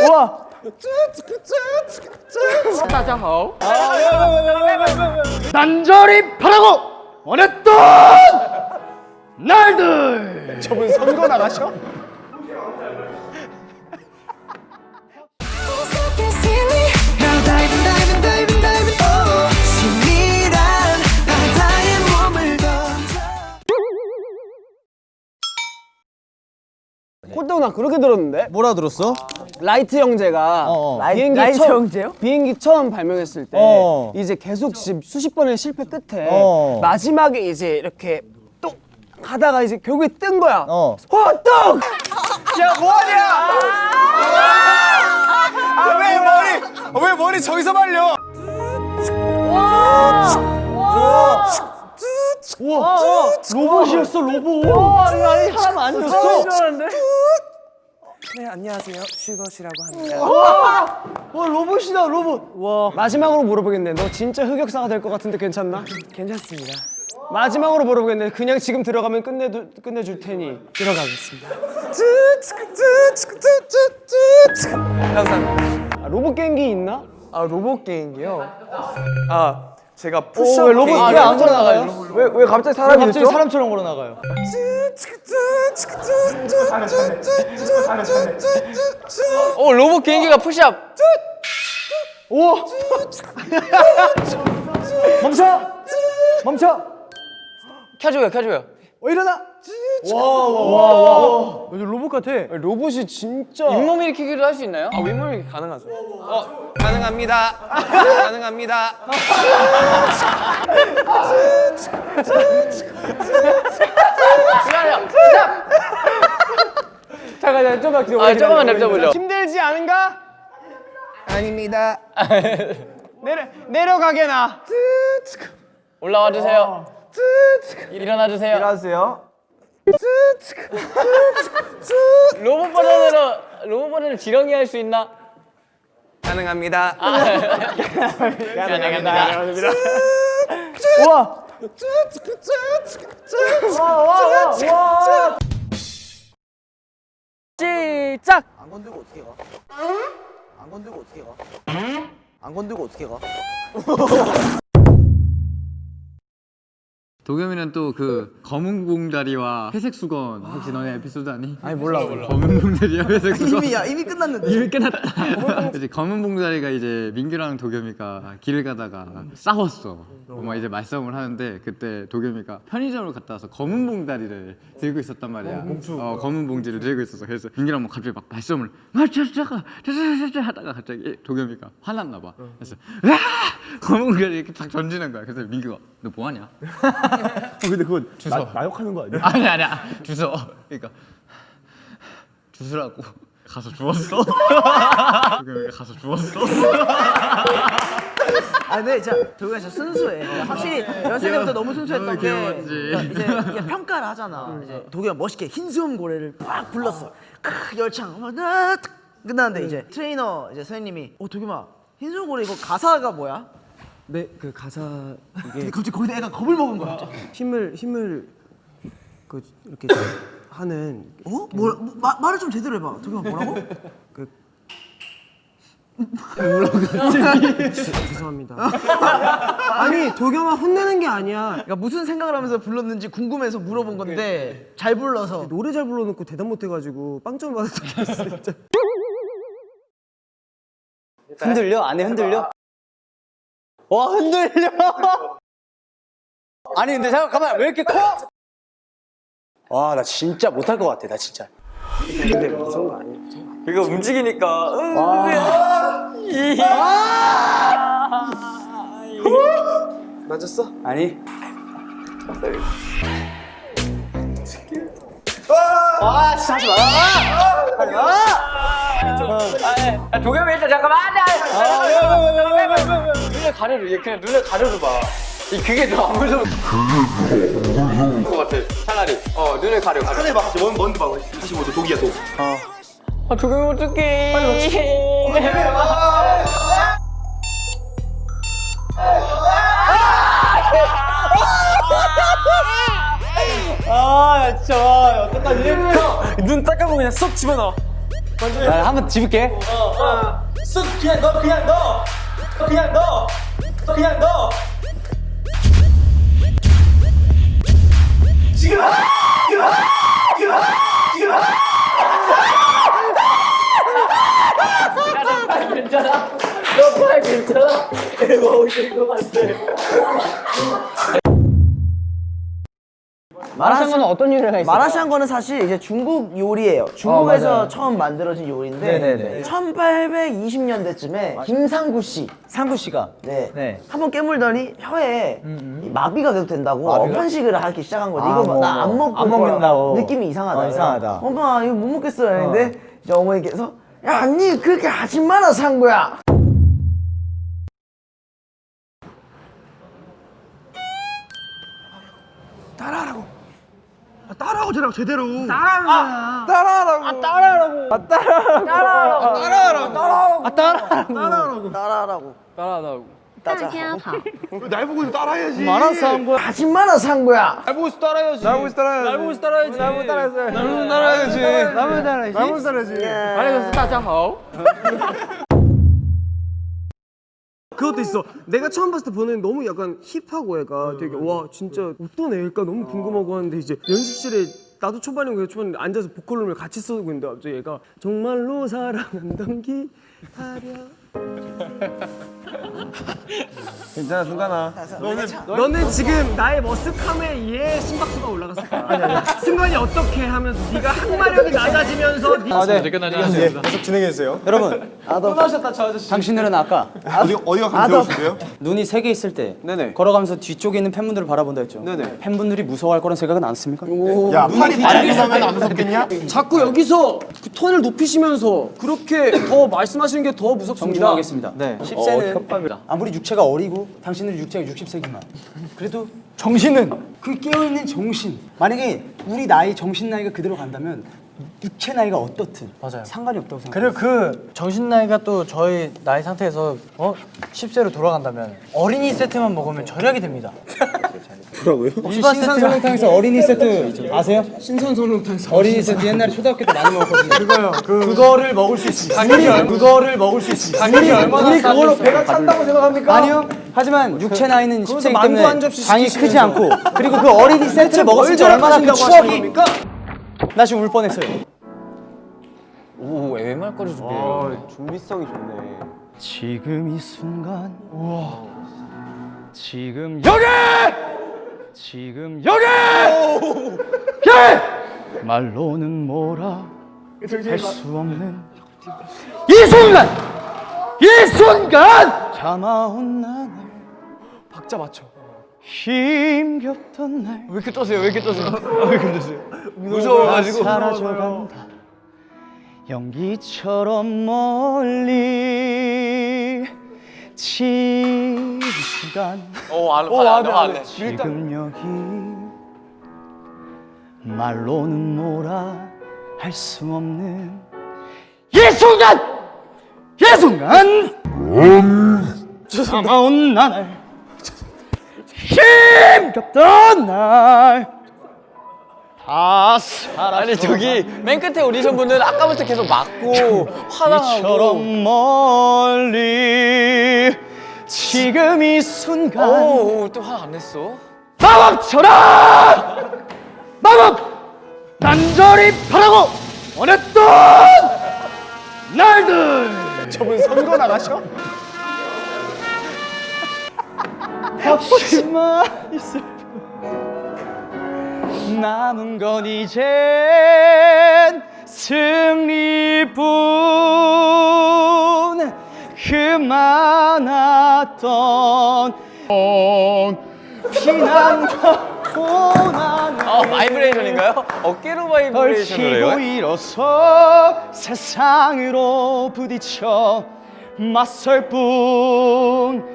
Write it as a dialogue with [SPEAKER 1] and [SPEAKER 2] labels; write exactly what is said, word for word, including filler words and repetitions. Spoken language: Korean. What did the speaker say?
[SPEAKER 1] 우와.
[SPEAKER 2] 따자호.
[SPEAKER 1] 난절히 바라고 원했던 날들.
[SPEAKER 3] 저분 선거 나가셔?
[SPEAKER 1] 꼴등 나 그렇게 들었는데?
[SPEAKER 4] 뭐라 들었어?
[SPEAKER 1] 라이트 형제가
[SPEAKER 4] 어, 어.
[SPEAKER 1] 비행기
[SPEAKER 2] 라이트
[SPEAKER 1] 처음,
[SPEAKER 2] 형제요?
[SPEAKER 1] 비행기 처음 발명했을 때
[SPEAKER 4] 어.
[SPEAKER 1] 이제 계속 지- 수십 번의 실패 끝에
[SPEAKER 4] 어.
[SPEAKER 1] 마지막에 이제 이렇게 똑 하다가 이제 결국에 뜬 거야.
[SPEAKER 4] 어.
[SPEAKER 1] 호떡!
[SPEAKER 3] 야 뭐하냐? 아 왜 머리 왜 머리 저기서 말려?
[SPEAKER 1] 우와! 로봇이었어 로봇.
[SPEAKER 2] 와, 이거 아니 사람 아니었어.
[SPEAKER 3] 네 안녕하세요 슈거시라고 합니다.
[SPEAKER 1] 와 로봇이다 로봇. 와. 마지막으로 물어보겠네. 너 진짜 흑역사가 될 것 같은데 괜찮나?
[SPEAKER 3] 괜찮습니다.
[SPEAKER 1] 마지막으로 물어보겠네. 그냥 지금 들어가면 끝내 끝내줄 테니.
[SPEAKER 3] 들어가겠습니다. 감사합니다.
[SPEAKER 1] 아, 로봇 게임기 있나?
[SPEAKER 3] 아 로봇 게임이요? 아 제가
[SPEAKER 1] 오,
[SPEAKER 3] 푸시업
[SPEAKER 1] 왜 로봇
[SPEAKER 3] 게임.
[SPEAKER 1] 왜 안 걸어 나가요? 왜 왜 갑자기 사람이
[SPEAKER 4] 갑자기
[SPEAKER 1] 됐죠?
[SPEAKER 4] 사람처럼 걸어 나가요.
[SPEAKER 2] 오, 로봇 개인기가 푸시업.
[SPEAKER 1] 오! 멈춰! 멈춰!
[SPEAKER 2] 켜줘요, 켜줘요.
[SPEAKER 1] 어 일어나! 와와와와 완전 로봇 같아. 로봇이 진짜
[SPEAKER 2] 잇몸 일으키기도 할 수 있나요?
[SPEAKER 3] 아 윗몸이 가능하죠? 어 가능합니다. 가능합니다.
[SPEAKER 2] 잠깐만요. 시작.
[SPEAKER 1] 잠깐 좀만 기다려.
[SPEAKER 2] 아, 조금만 냅둬보죠.
[SPEAKER 1] 힘들지 않은가?
[SPEAKER 3] 아닙니다.
[SPEAKER 1] 내려 내려가게나.
[SPEAKER 2] 올라와 주세요. 일어나 주세요.
[SPEAKER 1] 일어나세요.
[SPEAKER 2] 로봇 버전으로 로봇 버전을 지렁이 할 수 있나?
[SPEAKER 3] 가능합니다.
[SPEAKER 2] 가능합니다.
[SPEAKER 1] 우와. 와와와
[SPEAKER 2] 시작.
[SPEAKER 4] 안 건들고 어떻게 가? 안 건들고 어떻게 가? 안 건들고 어떻게 가?
[SPEAKER 5] 도겸이는 또 그 검은 봉다리와 회색 수건 혹시 너네 에피소드 아니?
[SPEAKER 1] 아니 몰라 몰라.
[SPEAKER 5] 검은 봉다리와 회색 수건
[SPEAKER 4] 이미 야 이미 끝났는데.
[SPEAKER 5] 이미 끝났다. 이제 검은 봉다리가 이제 민규랑 도겸이가 길을 가다가 싸웠어. 막 이제 말싸움을 하는데 그때 도겸이가 편의점을 갔다 와서 검은 봉다리를 들고 있었단 말이야. 어, 검은 봉지를 들고 있었어. 그래서 민규랑 막 갑자기 막 말싸움을 막 짜자가 짜자자자 하다가 갑자기 도겸이가 화났나 봐. 그래서 와 검은 봉다리 이렇게 딱 던지는 거야. 그래서 민규가 너 뭐하냐?
[SPEAKER 1] 어, 근데 그거 주워. 나, 욕하는 거 아니야?
[SPEAKER 5] 아니 아니야 주워. 그러니까 주스라고 가서 주웠어. 도겸이가 가서 주웠어.
[SPEAKER 4] 아 근데 진짜 도겸이 진짜 순수해. 확실히 연습 때부터 너무 순수했던
[SPEAKER 5] 너무
[SPEAKER 4] 게
[SPEAKER 5] 귀여웠지.
[SPEAKER 4] 그러니까 이제 이게 평가를 하잖아. 이제 도겸이 멋있게 흰수염 고래를 막 불렀어. 크 열창 막 나, 탁 끝나는데 이제 트레이너 이제 선생님이 어 도겸아 흰수염 고래 이거 가사가 뭐야?
[SPEAKER 1] 네, 그 가사
[SPEAKER 4] 근데
[SPEAKER 1] 이게
[SPEAKER 4] 갑자기 거기다 애가 겁을 먹은 거야.
[SPEAKER 1] 힘을 힘을 그 이렇게 하는
[SPEAKER 4] 어? 뭐, 뭐 마, 말을 좀 제대로 해봐. 도겸아 뭐라고?
[SPEAKER 1] 그 죄송합니다. 아니 도겸아 혼내는 게 아니야.
[SPEAKER 4] 그러니까 무슨 생각을 하면서 불렀는지 궁금해서 물어본 건데 잘 불러서
[SPEAKER 1] 노래 잘 불러놓고 대답 못해가지고 빵점 받았던 게 있어 진짜.
[SPEAKER 6] 흔들려? 안에 흔들려? 와 흔들려! 아니 근데 잠깐만 왜 이렇게 커? 와 나 진짜 못할 것 같아 나 진짜.
[SPEAKER 1] 근데 무서운 거 아니야?
[SPEAKER 6] 이거 움직이니까
[SPEAKER 3] 맞았어?
[SPEAKER 6] 아니
[SPEAKER 2] 아, 도겸이 일단 잠깐만. 눈을 가려줘. 얘 그냥 눈을 가려줘 봐. 이 그게 더 안 무서워. 그게 더 안 무서울 것 같아. 차라리. 어 눈을 가려. 가려.
[SPEAKER 3] 하늘 봐. 먼 먼데 봐. 사십오 도 독이야 독.
[SPEAKER 2] 아 도겸이 어떡해. 빨리
[SPEAKER 6] 아 진짜 어떡하지? 눈 딱 감고 그냥 쏙 집어넣어. 나 한번 집을게.
[SPEAKER 3] 쓱 그냥 너 그냥 너 그냥 너 그냥 너 지금 지금 지금 지금
[SPEAKER 2] 괜찮아? 너 팔 괜찮아? 이거 오실 것 같아.
[SPEAKER 1] 마라샹궈는 어떤 요리가 있어요?
[SPEAKER 4] 마라샹궈는 사실 이제 중국 요리예요. 중국에서
[SPEAKER 1] 맞아요.
[SPEAKER 4] 처음 만들어진 요리인데
[SPEAKER 1] 네네네.
[SPEAKER 4] 천팔백이십 년대쯤에 김상구 씨,
[SPEAKER 1] 상구 씨가
[SPEAKER 4] 네,
[SPEAKER 1] 네.
[SPEAKER 4] 한번 깨물더니 혀에 이 마비가 계속 된다고 편식을 하기 시작한 거지. 이거
[SPEAKER 1] 뭐,
[SPEAKER 4] 나 안
[SPEAKER 1] 뭐.
[SPEAKER 4] 먹고
[SPEAKER 1] 안 먹는다고.
[SPEAKER 4] 느낌이 이상하다.
[SPEAKER 1] 어, 이상하다.
[SPEAKER 4] 엄마 이거 못 먹겠어요. 했는데 이제 어머니께서 야, 니 그렇게 하지 마라 상구야. 따라하라고. 아, 따라하고 저랑 제대로. 따라하는 거야. 따라하라고. 아, 따라하라고. 아, 따라하라고. 따라하라고. 따라하라고. 따라하라고. 아, 따라하라고. 따라하라고. 따라하라고.
[SPEAKER 7] 大家好，
[SPEAKER 3] 날 보고 따라해야지.
[SPEAKER 1] 마라샹궈
[SPEAKER 4] 하지 마라 상구야.
[SPEAKER 3] 날 보고 따라해야지. 날 보고 따라해야지. 날 보고 따라해야지. 날 보고 따라해야지. 날 보고 따라해야지. 날 보고 따라해야지. 날 보고 따라해야지.
[SPEAKER 2] 아니, 다자好.
[SPEAKER 3] 그것도 있어. 내가 처음 봤을 때 보는 너무 약간 힙하고 애가 되게 와 진짜 어떤 애일까 너무 궁금하고 하는데 이제 연습실에 나도 초반이고 걔 초반에 앉아서 보컬룸을 같이 쓰고 있는데 갑자기 얘가 정말로 사랑한던 기다려. 괜찮아 승관아. 너는 너는 지금 나의 머쓱함에 의해 심박수가 올라갔을 거야. 아니 아니. 승관이 어떻게 하면서 네가 항마력이 낮아지면서 네...
[SPEAKER 6] 아, 네.
[SPEAKER 3] 계속 진행해 주세요.
[SPEAKER 6] 여러분,
[SPEAKER 3] 떠나셨다 저 아저씨.
[SPEAKER 6] 당신들은 아까
[SPEAKER 3] 어디 어디가 감정이신데요?
[SPEAKER 6] 눈이 세 개 있을 때
[SPEAKER 3] 네네.
[SPEAKER 6] 걸어가면서 뒤쪽에 있는 팬분들을 바라본다 했죠.
[SPEAKER 3] 네네.
[SPEAKER 6] 팬분들이 무서워할 거란 생각은 안 씁니까?
[SPEAKER 3] 야 팔이 달리면 안 무섭겠냐?
[SPEAKER 1] 자꾸 여기서 그 톤을 높이시면서 그렇게 더 말씀하시는 게 더 무섭습니다.
[SPEAKER 6] 정중하겠습니다.
[SPEAKER 1] 네.
[SPEAKER 6] 십 세는 아무리 육체가 어리고 당신들 육체가 육십 세지만 그래도 정신은 그 깨어있는 정신. 만약에 우리 나이 정신 나이가 그대로 간다면 육체 나이가 어떻든 맞아요. 상관이 없다고 생각해요.
[SPEAKER 8] 그리고 그 정신 나이가 또 저희 나이 상태에서 어? 십 세로 돌아간다면 어린이 세트만 먹으면 절약이 됩니다.
[SPEAKER 6] 혹시 신선설렁탕에서 어린이 세트 아세요?
[SPEAKER 1] 신선설렁탕에서
[SPEAKER 6] 어린이 세트 옛날에 초등학교 때 많이 먹었거든요. 그거요. 그... 그거를 먹을 수 있습니다. 우리 그거를 먹을 수 있습니다.
[SPEAKER 1] 우리, 우리 그걸로 배가 찬다고 생각합니까?
[SPEAKER 6] 아니요. 하지만 육체 나이는 십 세이기
[SPEAKER 1] 만두 한
[SPEAKER 6] 때문에
[SPEAKER 1] 접시
[SPEAKER 6] 장이
[SPEAKER 1] 시키시면서.
[SPEAKER 6] 크지 않고 그리고 그 어린이 세트를 먹었을 때 얼마나 그 추억이 나 지금 울 뻔했어요.
[SPEAKER 2] 오, 애말거리 준비해.
[SPEAKER 3] 아 준비성이 좋네.
[SPEAKER 6] 지금 이 순간 우와 지금 여기 지금 여기 예! 말로는 뭐라 할 수 없는 이 순간 이 순간 참아온 나를
[SPEAKER 1] 박자 맞춰.
[SPEAKER 6] 힘겹던 날
[SPEAKER 2] 왜 이렇게 떠세요? 왜 이렇게 떠세요?
[SPEAKER 6] 무서워가지고 사라져간다 연기처럼 멀리 지금 시간
[SPEAKER 2] 오, 안, 안, 안, 안, 안.
[SPEAKER 6] 지금 여기 말로는 뭐라 할 수 없는 이 순간 이 순간 참아온 나날 힘겹던 날 다 사라져
[SPEAKER 2] 아니, 저기 맨 끝에 오디션 분은 아까부터 계속 맞고 화나고.
[SPEAKER 6] 이처럼 멀리 지금 이 순간
[SPEAKER 2] 오, 또 화 안 냈어?
[SPEAKER 6] 마법처럼 마법 난절히 바라고 원했던 날들
[SPEAKER 1] 저분 선거 나가셔?
[SPEAKER 6] 혹시만 있을 뿐 남은 건 이젠 승리뿐 그 많았던 피난과 고난을
[SPEAKER 2] 아, 바이브레이션인가요? 어깨로 바이브레이션을 해요?
[SPEAKER 6] 걸치고 일어서 세상으로 부딪혀 맞설 뿐